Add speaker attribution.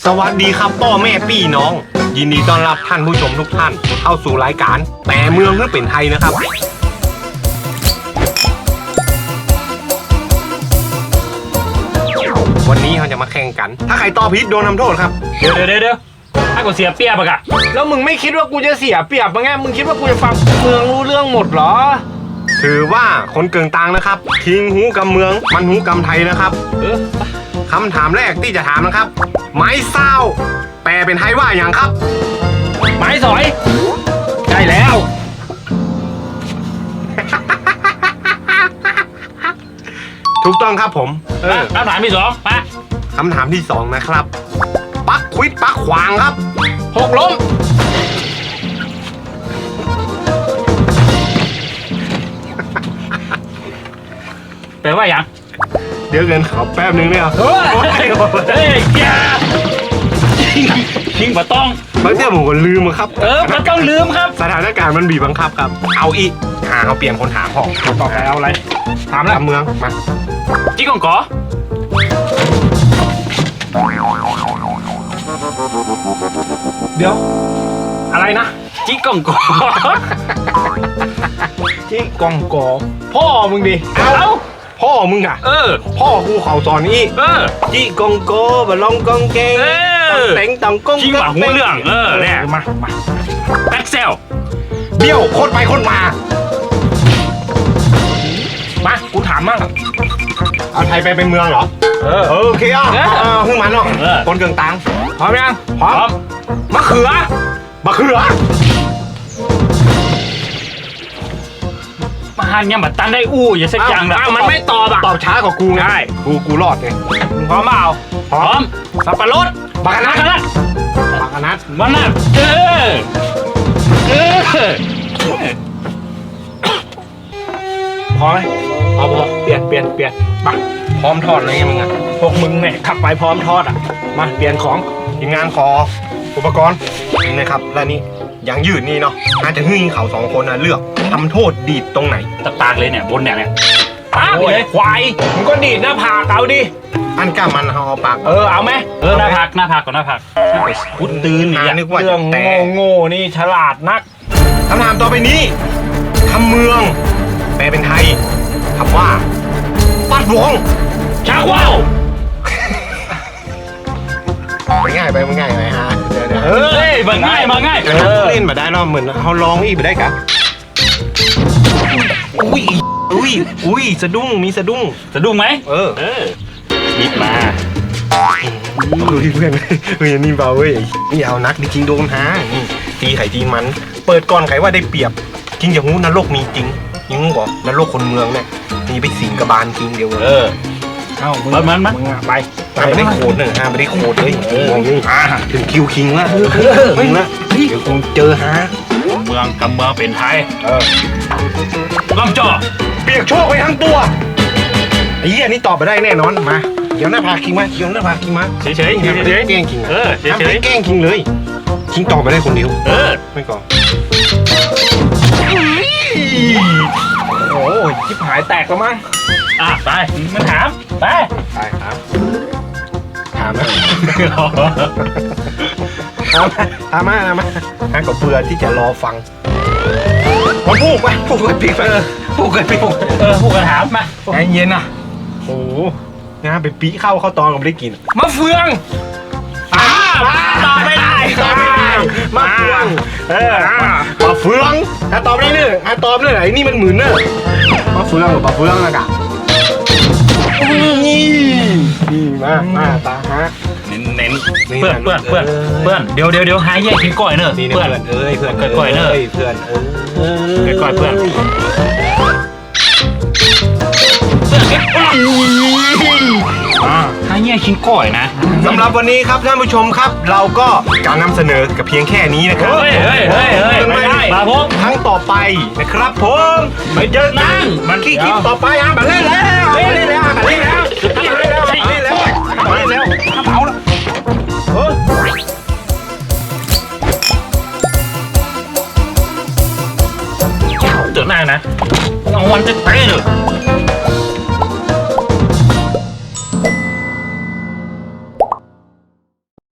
Speaker 1: สวัสดีครับพ่อแม่พี่น้องยินดีต้อนรับท่านผู้ชมทุกท่านเข้าสู่รายการแต่เมืองเพื่อเป็นไทยนะครับวันนี้เราจะมาแข่งกันถ้าใครตอบผิดโดนทำโทษครับ
Speaker 2: เดี๋ยวถ้ากูเสียเปรียบอะกะ
Speaker 3: แล้วมึงไม่คิดว่ากูจะเสียเปรียบมั้งไงมึงคิดว่ากูจะฟังเมืองรู้เรื่องหมดเหรอ
Speaker 1: ถือว่าคนเกิงตางนะครับคิงหูกำเมืองมันหูกำไทยนะครับคำถามแรกที่จะถามนะครับไม้เศร้าแปลเป็นไทยว่าอย่างครับ
Speaker 2: ไม้สอยใช่แล้ว
Speaker 1: ถูกต้องครับผม
Speaker 2: คำถามที่สองมา
Speaker 1: คำถามที่สองนะครับปักควิดปักขวางครับ
Speaker 2: หกล้มแปลว่าอย่าง
Speaker 1: เดี๋ยวเงินเขาแป๊บนึงเนี่ย
Speaker 2: เฮ้ยอย่าชิงมาต้อง
Speaker 1: บางทีผมก็ลืมครับ
Speaker 2: มันต้องลืมครับ
Speaker 1: สถานการณ์มันบีบบังคับครับเอาอีกเอาเปลี่ยนคนถามของ
Speaker 2: ต่อไปเอาอะไรถามแล้ว
Speaker 1: เมืองมา
Speaker 2: จิ๊กกงกอ
Speaker 1: เดี๋ยวอะไรนะ
Speaker 2: จิ๊กกงกอ
Speaker 3: จิ๊กกงกอพ่อมึงดิ
Speaker 1: เอาพ่อมึงอ่ะพ่อกูเขาสอนนี่จี้กงโกบะลองกงเกงเต็งตังกง
Speaker 2: จี้หวังเรื่องเนี่ยมาแบ็คเซล
Speaker 1: เบี้ยวโคตรไปโคตรมา
Speaker 2: กูถามมั่ง
Speaker 1: เอาไทยไปเป็นเมืองเหรอโอเคขึ้นมาเนาะคนเกิงตัง
Speaker 2: พร้อมยัง
Speaker 1: พร้อมมะเขือ
Speaker 2: มาหันยังบัดตันได้อย่าสักอย่างนะ
Speaker 1: มันไม่ตอบช้ากว่ากูไงกูรอดไง
Speaker 2: พร้อมเปล่าพร้อมสับปะรด
Speaker 1: บักนัด
Speaker 2: มันน่ะ
Speaker 1: พอไหม
Speaker 3: เอาพอเปลี่ยน
Speaker 1: มาพร้อมทอดเลยมึงอ่ะ
Speaker 3: พวกมึงเนี่ยขับไปพร้อมทอดอ่ะมาเปลี่ยนของ
Speaker 1: ทีมงานขออุปกรณ์นี่นะครับและนี่อย่างยืดนี่เนาะอาจจะให้เขาสองคนนะเลือกทำโทษดีดตรงไหน
Speaker 2: ตากเลยเนี่ยบนเนี่ยเลย
Speaker 3: ควายมึงก็ดีดหน้าผากเอาดิ
Speaker 1: อันก้ามันเอาปาก
Speaker 3: เอาไหม
Speaker 2: หน้าผากก่อนหน้าผากพุดตื่น
Speaker 1: นึกว่า
Speaker 3: เรื่องโง่นี่ฉลาดนัก
Speaker 1: คำถามต่อไปนี้คำเมืองแปลเป็นไทยคำว่าปัดวง
Speaker 2: ชักว่าว
Speaker 1: ง่ายไปมันง่ายไปฮะเดี๋ยว
Speaker 2: มันง่าย
Speaker 1: เล่นมาได้เนาะเหมือนเขาลองอีกไปได้กะอุ้ยสะดุ้งมีสะดุ้ง
Speaker 2: ไหมนิดมา
Speaker 1: เพื่อนนี่เบาเว้ยนี่เอานักจริงโดนฮะตีไข่ตีมันเปิดก่อนใครว่าได้เปรียบจริงอย่างงูนรกมีจริงยังงูบอกนรกคนเมืองเนี่ยมีไปสิงกระบาลจริงเดียว
Speaker 2: มัน
Speaker 1: ไปไม่ได้โคตรเลยฮะไม่ได้โคตรเลยถึงคิวคิงละคิงละเดี๋ยวคงเจอฮะ
Speaker 2: เมืองกับเมืองเป็นไทยลำจ่อ
Speaker 1: เปียกโชคไปทั้งตัวไอ้เหี้ยนี่ตอบไปได้แน่นอนมาเดี๋ยวหน้าผากคิงมาเดี๋ยวหน้าผากคิงมา
Speaker 2: เฉย
Speaker 1: แกล้งคิงทำให้แกล้งคิงเลยคิงตอบไปได้คนเดียวไม่ก่อน
Speaker 3: โอ้ยชิบหายแตกแล้วมั้ง
Speaker 2: ไปมาถามไป
Speaker 1: ครับถามนะถามมาฮะก็เบื่อที่จะรอฟังมันพูดกันปีกพูดกัน
Speaker 2: ถามมา
Speaker 1: ใจเย็นนะโอ้นะไปปีเข้าตอนก็ไม่ได้กิน
Speaker 3: มะเฟือง
Speaker 2: ตอบไม่ได้
Speaker 1: มะเฟืองมะเฟืองถ้าตอบได้เนี่ยตอบเลยไอ้นี่มันหมื่นเนอะมะเฟืองมะเฟืองนะกะนี่มาตาฮะ
Speaker 2: เน้นเพื่อนเดี๋ยวหายแยกกินก้อยเนอะ
Speaker 1: เพื่อนเพื่อน
Speaker 2: ก้อยเนอะ
Speaker 1: เพื่อน
Speaker 2: ก้อยเพื่อนหายแยกกินก้อยนะ
Speaker 1: สำหรับวันนี้ครับท่านผู้ชมครับเราก็การนำเสนอกับเพียงแค่นี้นะครับ
Speaker 2: ไม่ได้มาพบ
Speaker 1: ครั้งต่อไปนะครับผมไปเจอกันมันขี้คลิปต่อไปมาเล่นแล้วเล่นแล้วเผาแล้ว
Speaker 2: เจอหน้านะเอาวันจะเตะเลย